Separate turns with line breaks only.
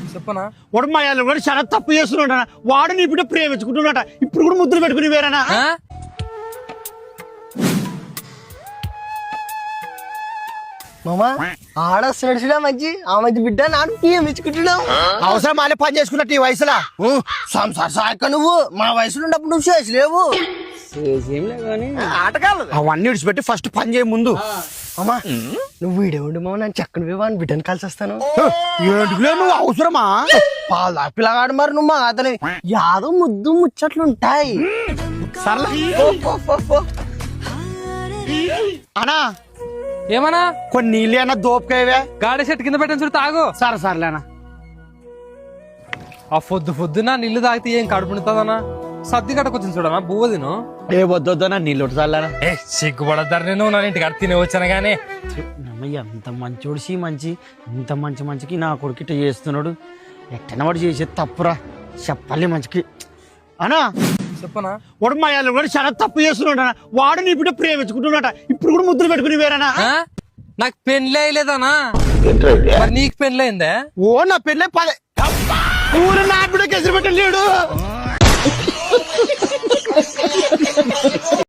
చెప్పనా
వాడు మా వాళ్ళు కూడా చాలా తప్పు చేస్తున్నాడు. వాడు నీ బిడ్డ ప్రేమించుకుంటున్నాట. ఇప్పుడు కూడా ముద్దులు పెట్టుకుని వేరేనా?
మామా ఆడొస్తున్నాడు మంచి ఆ మధ్య బిడ్డ నాడు ప్రేమించుకుంటున్నావు.
అవసరం మాలే పని చేసుకున్నట్టు ఈ వయసులో.
సంసార సాయక నువ్వు మా వయసులో ఉన్నప్పుడు నువ్వు చేసలేవు. ఆటకాలు
అవన్నీ విడిచిపెట్టి ఫస్ట్ పని చేయ ముందు.
అమ్మా నువ్వు వీడేవండి మామ నన్ను చక్కని వివాహం బిడ్డను కలిసి వస్తాను.
ఏంటిలే నువ్వు అవసరమా?
పాలు పిల్లగాడు మరి నువ్వు మా అతని యాదో ముద్దు ముచ్చట్లు ఉంటాయి.
సర్లే అనా
ఏమన్నా
కొన్ని నీళ్ళు అన్నా దోపకాయవే.
గాడి చెట్టు కింద పెట్టని చూడు తాగు.
సర్లేనా.
ఆ పొద్దున నీళ్లు తాగితే ఏం కడుపు నింతదన్నా? సర్ది కట్టకొచ్చింది చూడనా బువ్వ తిను.
ఏ వద్దొద్దనా నీళ్ళు చల్లారా.
ఏ సిగ్గుపడతారు నేను నా ఇంటికి అడి తినే వచ్చాను గానీ.
ఎంత మంచోడిసి మంచి ఇంత మంచికి నా కొడుకు ఇట్లా చేస్తున్నాడు. ఎట్టన వాడు చేసేది తప్పురా. చెప్పాలి మంచికి అనా.
చెప్పనా
వాడు మా వాళ్ళు కూడా చాలా తప్పు చేస్తున్నాడు. వాడు నీ బిడ్డ ప్రేమించుకుంటున్నాట. ఇప్పుడు కూడా ముద్దులు పెట్టుకుని వేరేనా?
నాకు పెళ్ళి అయ్యలేదనా? మరి నీకు పెళ్ళి అయిందే?
ఓ నా పెళ్ళే ఊరు నా బిడ్డకి ఎదురు పెట్టలేడు.